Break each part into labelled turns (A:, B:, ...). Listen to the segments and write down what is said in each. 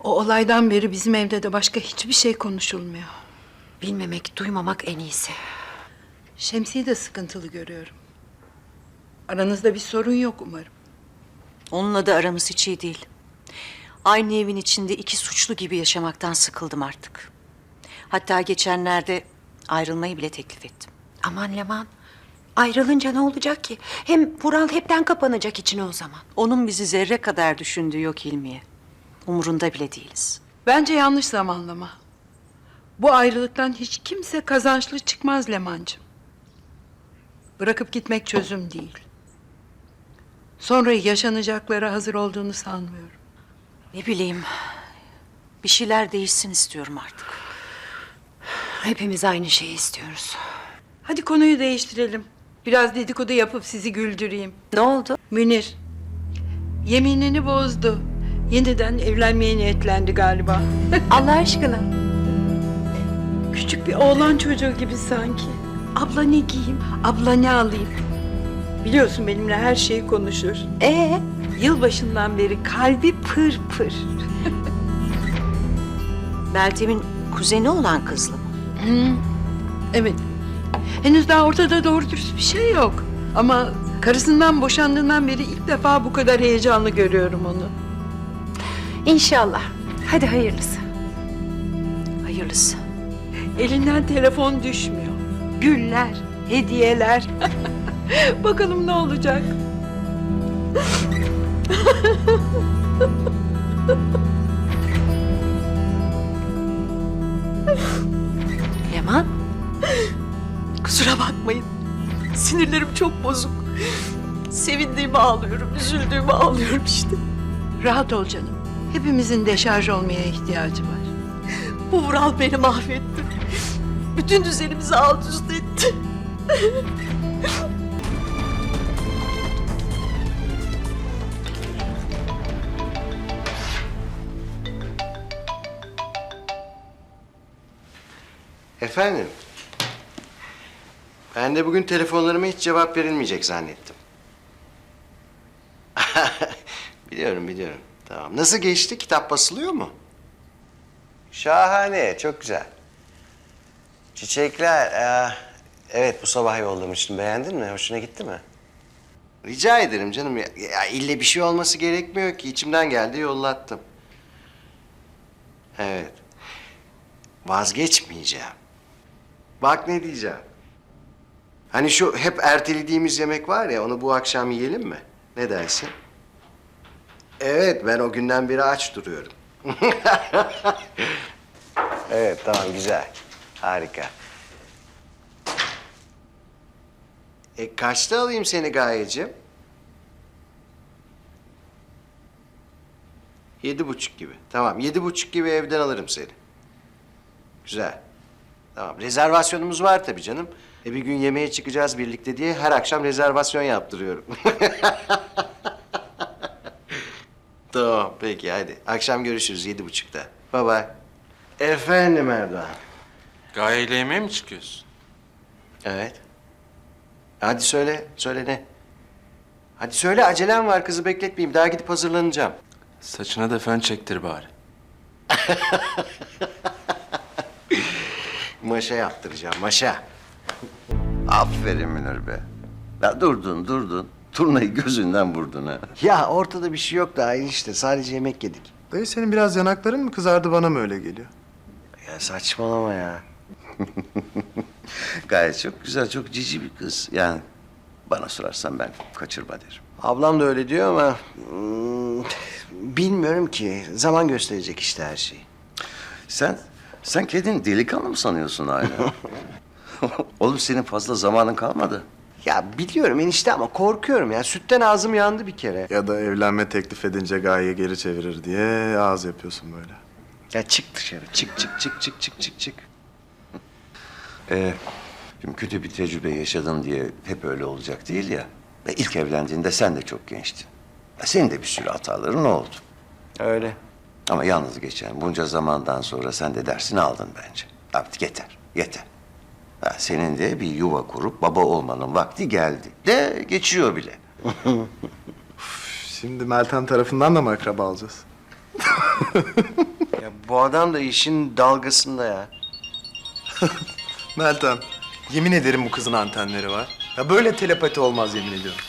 A: O olaydan beri bizim evde de başka hiçbir şey konuşulmuyor.
B: Bilmemek, duymamak en iyisi.
A: Şemsi'yi de sıkıntılı görüyorum. Aranızda bir sorun yok umarım.
B: Onunla da aramız hiç iyi değil. Aynı evin içinde iki suçlu gibi yaşamaktan sıkıldım artık. Hatta geçenlerde ayrılmayı bile teklif ettim.
C: Aman Leman, ayrılınca ne olacak ki? Hem Vural hepten kapanacak içine o zaman.
B: Onun bizi zerre kadar düşündüğü yok Hilmiye. Umurunda bile değiliz.
A: Bence yanlış zamanlama. Bu ayrılıktan hiç kimse kazançlı çıkmaz Leman'cığım. Bırakıp gitmek çözüm değil. Sonra yaşanacaklara hazır olduğunu sanmıyorum.
B: Ne bileyim, bir şeyler değişsin istiyorum artık.
C: Hepimiz aynı şeyi istiyoruz.
A: Hadi konuyu değiştirelim. Biraz dedikodu yapıp sizi güldüreyim.
C: Ne oldu?
A: Münir, yeminini bozdu. Yeniden evlenmeye niyetlendi galiba.
C: Allah aşkına.
A: Küçük bir oğlan çocuğu gibi sanki. Abla ne giyeyim, abla ne alayım? Biliyorsun benimle her şeyi konuşur. Yılbaşından beri kalbi pır pır.
B: Meltem'in kuzeni olan kızlı mı?
A: Evet. Henüz daha ortada doğru dürüst bir şey yok. Ama karısından boşandığından beri ilk defa bu kadar heyecanlı görüyorum onu.
C: İnşallah. Hadi hayırlısı.
B: Hayırlısı.
A: Elinden telefon düşmüyor. Güller, hediyeler. Bakalım ne olacak?
B: Leman,
C: Kusura bakmayın. Sinirlerim çok bozuk. Sevindiğimi ağlıyorum, üzüldüğümü ağlıyorum işte.
A: Rahat ol canım. Hepimizin deşarj olmaya ihtiyacı var.
C: Bu Vural beni mahvetti. Bütün düzenimizi alt üst etti.
D: Efendim? Ben de bugün telefonlarıma hiç cevap verilmeyecek zannettim. Biliyorum. Tamam. Nasıl geçti? Kitap basılıyor mu? Şahane, çok güzel. Çiçekler, evet bu sabah yollamıştım. Beğendin mi? Hoşuna gitti mi? Rica ederim canım. Ya ille bir şey olması gerekmiyor ki. İçimden geldi, yollattım. Evet. Vazgeçmeyeceğim. Bak ne diyeceğim. Hani şu hep ertelediğimiz yemek var ya, onu bu akşam yiyelim mi? Ne dersin? Evet, ben o günden beri aç duruyorum. Evet, tamam, güzel. Harika. Kaçta alayım seni Gayeciğim? 7:30 gibi. Tamam, 7:30 gibi evden alırım seni. Güzel. Tamam, rezervasyonumuz var tabii canım. Bir gün yemeğe çıkacağız birlikte diye her akşam rezervasyon yaptırıyorum. Tamam, peki hadi. Akşam görüşürüz 7:30'da. Bye bye. Efendim Erdoğan.
E: Gaye ile yemeğe mi çıkıyorsun?
D: Evet. Hadi söyle ne? Hadi söyle, acelem var, kızı bekletmeyeyim. Daha gidip hazırlanacağım.
E: Saçına da fön çektir bari.
D: Maşa yaptıracağım, maşa.
F: Aferin Münir be. Ya durdun. Turnayı gözünden vurdun ha.
D: Ya ortada bir şey yok daha enişte. Sadece yemek yedik.
G: Dayı senin biraz yanakların mı kızardı, bana mı öyle geliyor?
D: Ya saçmalama ya.
F: Gayet çok güzel, çok cici bir kız. Yani bana sorarsan ben kaçırma derim.
D: Ablam da öyle diyor ama... bilmiyorum ki. Zaman gösterecek işte her şeyi.
F: Sen kendini delikanlı mı sanıyorsun hala? Oğlum senin fazla zamanın kalmadı.
D: Ya biliyorum enişte ama korkuyorum ya. Sütten ağzım yandı bir kere.
G: Ya da evlenme teklif edince Gaye geri çevirir diye ağız yapıyorsun böyle.
D: Ya çık dışarı. Çık.
F: Şimdi kötü bir tecrübe yaşadın diye hep öyle olacak değil ya. Ve ilk evlendiğinde sen de çok gençtin. Senin de bir sürü hataların oldu.
D: Öyle.
F: Ama yalnız geçen bunca zamandan sonra sen de dersini aldın bence. Artık yeter. Senin de bir yuva kurup baba olmanın vakti geldi. De geçiyor bile.
G: Şimdi Meltem tarafından da mı akraba alacağız?
D: Bu adam da işin dalgasında ya.
G: Meltem, yemin ederim bu kızın antenleri var. Ya böyle telepati olmaz yemin ediyorum.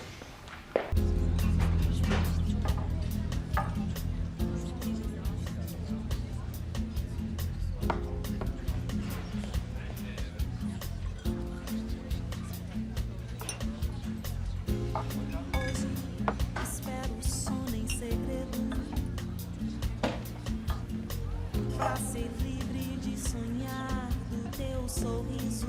H: Espero o sono em segredo pra ser livre de sonhar do teu sorriso.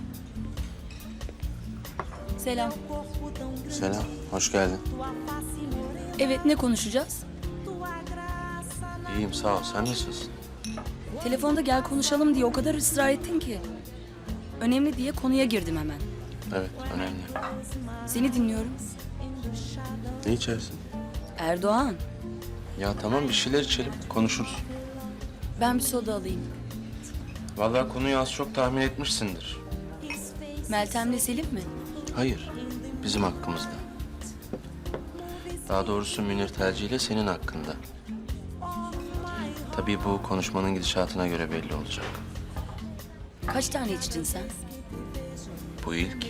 I: Selam.
H: Corpo tão grande,
E: Selam, hoş geldin.
H: tua face morena,
I: Evet, ne konuşacağız?
H: tua graça na
E: İyiyim, sağ ol. Sen nasılsın?
I: Telefonda gel konuşalım diye o kadar ısrar ettin ki. Önemli diye konuya girdim hemen.
E: Evet, önemli.
I: Seni dinliyorum.
E: Ne içersin?
I: Erdoğan,
E: Ya tamam, bir şeyler içelim, konuşuruz.
I: ben bir soda alayım.
E: Vallahi konuyu az çok tahmin etmişsindir.
I: Meltem'le Selim mi?
E: Hayır, bizim hakkımızda. Daha doğrusu Münir tercihiyle senin hakkında. Tabii bu konuşmanın gidişatına göre belli olacak.
I: Kaç tane içtin sen?
E: Bu ilk.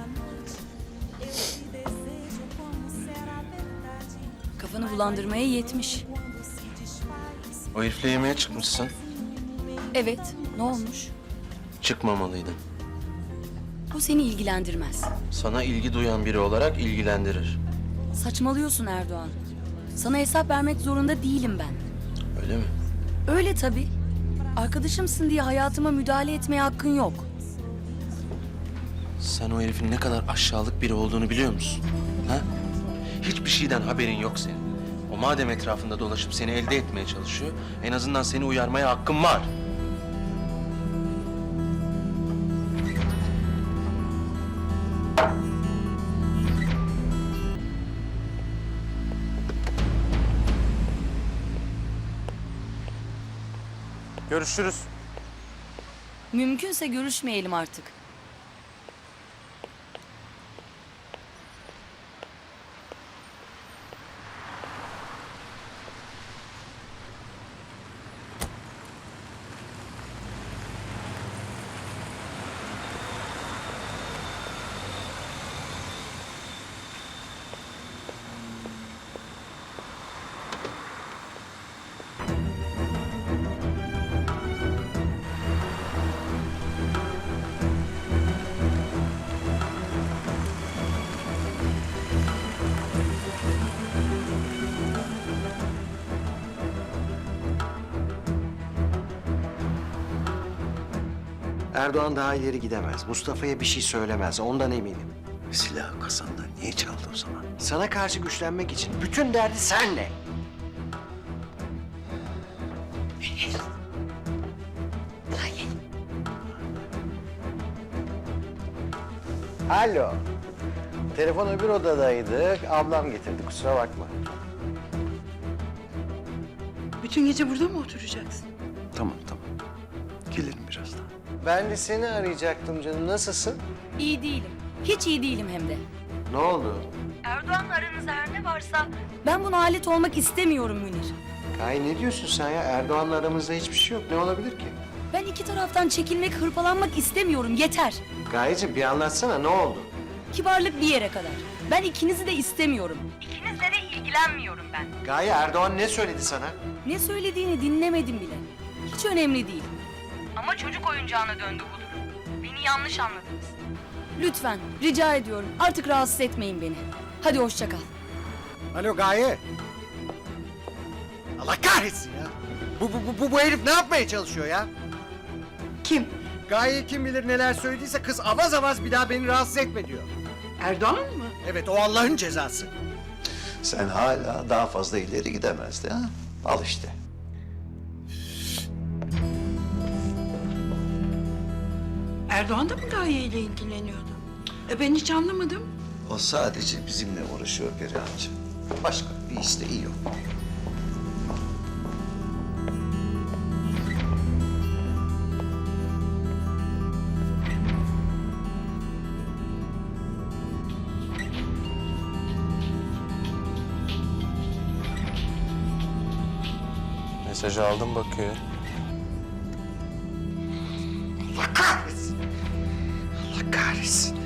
I: Kafanı bulandırmaya yetmiş.
E: O herifle yemeğe çıkmışsın.
I: Evet, ne olmuş?
E: Çıkmamalıydın.
I: Bu seni ilgilendirmez.
E: Sana ilgi duyan biri olarak ilgilendirir.
I: Saçmalıyorsun Erdoğan. Sana hesap vermek zorunda değilim ben.
E: Öyle mi?
I: Öyle tabii. Arkadaşımsın diye hayatıma müdahale etmeye hakkın yok.
E: Sen o herifin ne kadar aşağılık biri olduğunu biliyor musun? Ha? Hiçbir şeyden haberin yok senin. O madem etrafında dolaşıp seni elde etmeye çalışıyor, en azından seni uyarmaya hakkın var. Görüşürüz.
I: Mümkünse görüşmeyelim artık.
D: Erdoğan daha ileri gidemez. Mustafa'ya bir şey söylemez. Ondan eminim.
F: Silahı kasandan niye çaldı o zaman?
D: Sana karşı güçlenmek için bütün derdi senle. Alo. Telefon öbür odadaydı. Ablam getirdi. Kusura bakma.
A: Bütün gece burada mı oturacaksın?
F: Tamam. Gelirim birazdan.
D: Ben de seni arayacaktım canım. Nasılsın?
I: İyi değilim. Hiç iyi değilim hem de.
D: Ne oldu?
I: Erdoğan'la aranızda her ne varsa... Ben buna alet olmak istemiyorum Münir.
D: Kay ne diyorsun sen ya? Erdoğan'la aramızda hiçbir şey yok. Ne olabilir ki?
I: Ben iki taraftan çekilmek, hırpalanmak istemiyorum. Yeter.
D: Gayeciğim bir anlatsana ne oldu?
I: Kibarlık bir yere kadar. Ben ikinizi de istemiyorum. İkinizle de ilgilenmiyorum ben.
D: Gaye Erdoğan ne söyledi sana?
I: Ne söylediğini dinlemedim bile. Hiç önemli değil. Ama çocuk oyuncağına döndü bu durum. Beni yanlış anladınız. Lütfen, rica ediyorum. Artık rahatsız etmeyin beni. Hadi hoşça kal.
J: Alo Gaye. Allah kahretsin ya. Bu herif ne yapmaya çalışıyor ya?
A: Kim?
J: Gaye kim bilir neler söylediyse kız avaz avaz bir daha beni rahatsız etme diyor.
A: Erdoğan mı?
J: Evet o Allah'ın cezası.
F: Sen hala daha fazla ileri gidemezdi ha? Al işte.
A: Erdoğan da mı Gaye ile ilgileniyordu? Ben hiç anlamadım.
F: O sadece bizimle uğraşıyor Perihan'cığım. Başka bir isteği yok.
E: Mesajı aldım bakıyor.
D: Allah kahretsin. Allah kahretsin.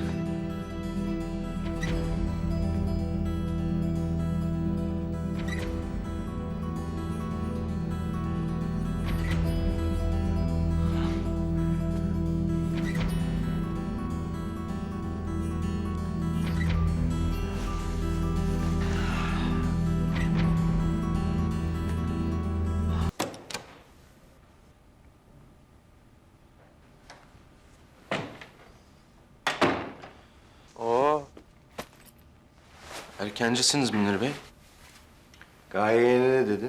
E: Oo. Erkencisiniz Münir Bey.
D: Gaye'ye ne dedin?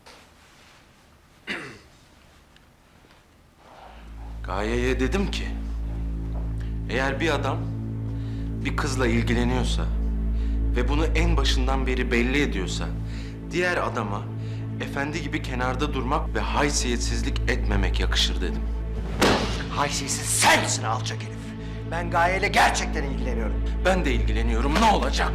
E: Gaye'ye dedim ki... eğer bir adam bir kızla ilgileniyorsa ve bunu en başından beri belli ediyorsa... diğer adama efendi gibi kenarda durmak ve haysiyetsizlik etmemek yakışır dedim.
J: Haysiyetsiz sensin alçak herif. Ben Gaye'yle gerçekten ilgileniyorum.
E: Ben de ilgileniyorum, ne olacak?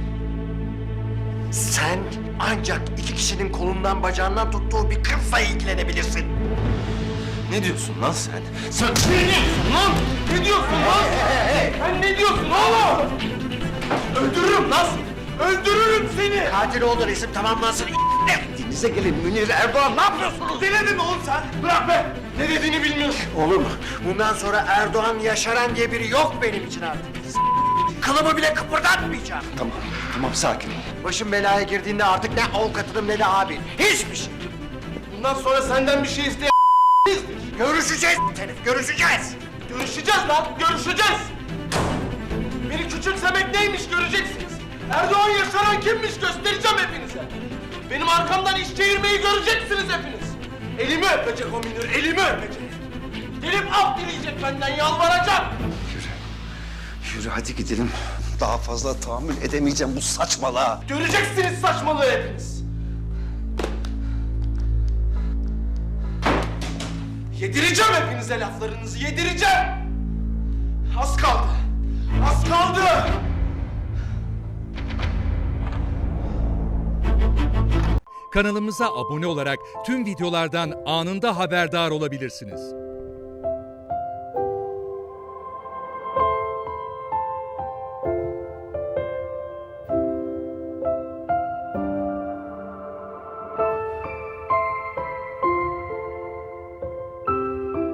J: Sen ancak iki kişinin kolundan bacağından tuttuğu bir kızla ilgilenebilirsin.
E: Ne diyorsun lan sen? Sen ne diyorsun lan? Ne diyorsun lan? Sen ne diyorsun oğlum? Öldürürüm lan seni. Öldürürüm seni.
J: Katil olduğun isim tamamlansın. Denize gelin Münir Erdoğan, ne yapıyorsunuz?
E: Delirdin mi oğlum sen? Bırak be. Ne dediğini bilmiyorsun.
J: Olur mu? Bundan sonra Erdoğan Yaşaran diye biri yok benim için artık. Kılımı bile kıpırdatmayacağım.
F: Tamam sakin ol.
J: Başım belaya girdiğinde artık ne avukatım ne de abin. Hiçbir şey.
E: Bundan sonra senden bir şey isteyen
J: Görüşeceğiz herif, görüşeceğiz.
E: görüşeceğiz lan. Görüşeceğiz. Beni küçümsemek neymiş göreceksiniz. Erdoğan Yaşaran kimmiş göstereceğim hepinize. Benim arkamdan iş çevirmeyi göreceksiniz hepiniz. Elimi öpecek o Münir, elimi öpecek. Gelip af dileyecek benden, yalvaracak.
F: Yürü hadi gidelim. Daha fazla tahammül edemeyeceğim bu saçmalığa.
E: Göreceksiniz saçmalığı hepiniz. Yedireceğim hepinize laflarınızı, yedireceğim. Az kaldı. Az kaldı.
K: Kanalımıza abone olarak tüm videolardan anında haberdar olabilirsiniz.